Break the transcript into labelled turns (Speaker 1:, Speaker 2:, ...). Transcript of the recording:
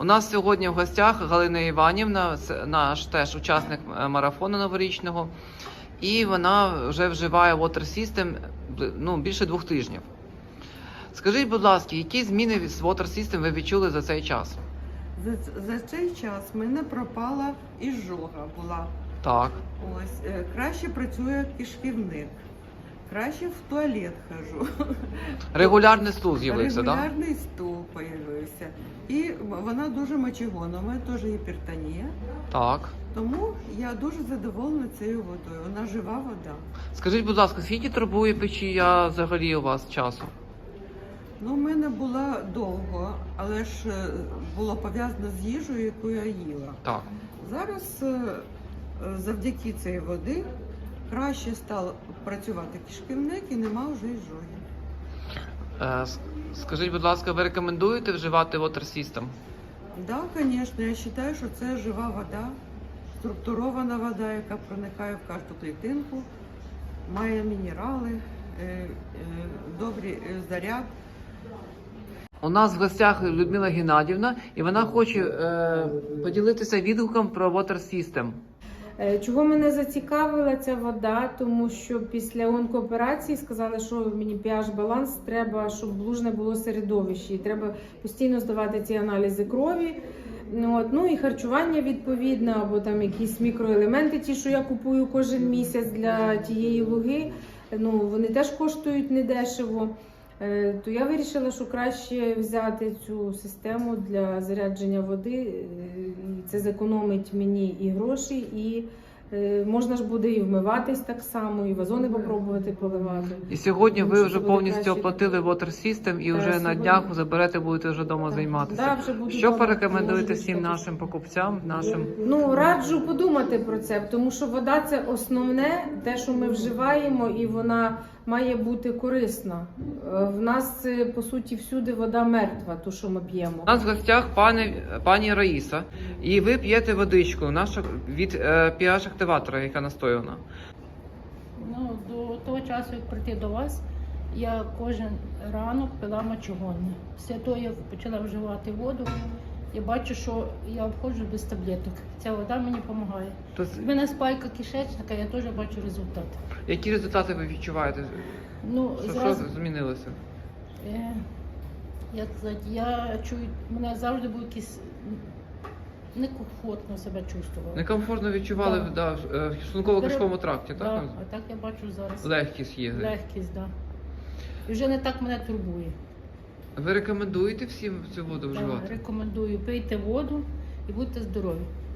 Speaker 1: У нас сьогодні в гостях Галина Іванівна, це наш теж учасник марафону новорічного. І вона вже вживає Water System більше 2 тижнів. Скажіть, будь ласка, які зміни з Water System ви відчули за цей час?
Speaker 2: За цей час в мене пропала ізжога була.
Speaker 1: Так.
Speaker 2: Ось, краще працює кишківник, краще в туалет хожу.
Speaker 1: Регулярний стул з'явився, так?
Speaker 2: Регулярний стул з'явився. І вона дуже мочегонна, у мене теж гіпертонія.
Speaker 1: Так.
Speaker 2: Тому я дуже задоволена цією водою, вона жива вода.
Speaker 1: Скажіть, будь ласка, скільки турбує печія взагалі у вас часу?
Speaker 2: Ну, в мене була довго, але ж було пов'язано з їжею, яку я їла.
Speaker 1: Так.
Speaker 2: Зараз завдяки цієї води краще став працювати кишківник і нема вже ізжоги.
Speaker 1: Скажіть, будь ласка, ви рекомендуєте вживати Water System?
Speaker 2: Так, звісно, я вважаю, що це жива вода, структурована вода, яка проникає в кожну клітинку, має мінерали, добрий заряд.
Speaker 1: У нас в гостях Людмила Геннадівна, і вона хоче поділитися відгуком про Water System.
Speaker 3: Чого мене зацікавила ця вода, тому що після онкооперації сказали, що мені pH-баланс треба, щоб лужне було середовище, і треба постійно здавати ці аналізи крові. Ну і харчування відповідне, або там якісь мікроелементи, ті, що я купую кожен місяць для тієї луги, вони теж коштують недешево. То я вирішила, що краще взяти цю систему для зарядження води, це зекономить мені і гроші, і можна ж буде і вмиватись так само, і вазони попробувати поливати.
Speaker 1: І сьогодні ви вже повністю
Speaker 3: краще
Speaker 1: оплатили Water System і вже на днях заберете, будете вже вдома займатися.
Speaker 3: Да, вже буду
Speaker 1: Що
Speaker 3: вдома.
Speaker 1: порекомендуєте всім нашим покупцям, нашим?
Speaker 3: Раджу подумати про це, тому що вода – це основне, те, що ми вживаємо, і вона має бути корисна. В нас, по суті, всюди вода мертва, ту, що ми п'ємо.
Speaker 1: У нас в гостях пані Раїса, і ви п'єте водичку нашу від pH-активатора, яка настояна.
Speaker 4: До того часу, як прийти до вас, я кожен ранок пила мочегонне. Після того я почала вживати воду. Я бачу, що я обходжу без таблеток. Ця вода мені допомагає. У мене спайка кишечника, я теж бачу результат.
Speaker 1: Які результати ви відчуваєте? Що змінилося?
Speaker 4: Як сказати, я чую, мене завжди був якийсь некомфортно себе чувствувала.
Speaker 1: Некомфортно відчували в шлунково-кишковому тракті, так?
Speaker 4: Так, а так я бачу зараз.
Speaker 1: Легкість є.
Speaker 4: Легкість, так. І вже не так мене турбує.
Speaker 1: Ви рекомендуєте всім цю воду вживати?
Speaker 4: Так, рекомендую. Пийте воду і будьте здорові.